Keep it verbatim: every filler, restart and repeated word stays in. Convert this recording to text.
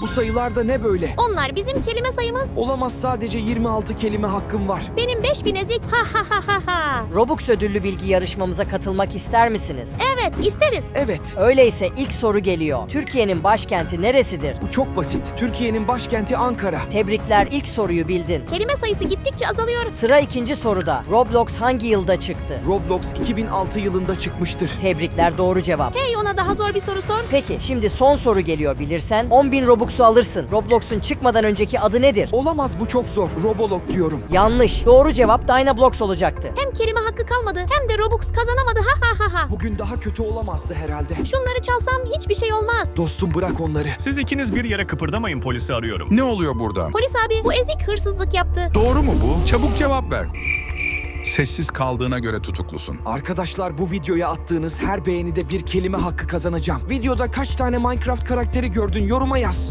Bu sayılar da ne böyle? Onlar bizim kelime sayımız. Olamaz, sadece yirmi altı kelime hakkım var. Benim beş bin ezik. Ha ha ha ha ha. Robux ödüllü bilgi yarışmamıza katılmak ister misiniz? Evet, isteriz. Evet. Öyleyse ilk soru geliyor. Türkiye'nin başkenti neresidir? Bu çok basit. Türkiye'nin başkenti Ankara. Tebrikler, ilk soruyu bildin. Kelime sayısı gittikçe azalıyor. Sıra ikinci soruda. Roblox hangi yılda çıktı? Roblox iki bin altı yılında çıkmıştır. Tebrikler, doğru cevap. Hey, ona daha zor bir soru sor. Peki, şimdi son soru geliyor, bilirsen on bin Robux'u alırsın. Roblox'un çıkmadan önceki adı nedir? Olamaz, bu çok zor. Roblox diyorum. Yanlış. Doğru cevap Dynablox olacaktı. Hem kelime hakkı kalmadı hem de Robux kazanamadı. Ha ha ha ha. Bugün daha kötü olamazdı herhalde. Şunları çalsam hiçbir şey olmaz. Dostum, bırak onları. Siz ikiniz bir yere kıpırdamayın, polisi arıyorum. Ne oluyor burada? Polis abi, bu ezik hırsızlık yaptı. Doğru mu bu? Çabuk cevap ver. Sessiz kaldığına göre tutuklusun. Arkadaşlar, bu videoya attığınız her beğenide bir kelime hakkı kazanacağım. Videoda kaç tane Minecraft karakteri gördün, yoruma yaz.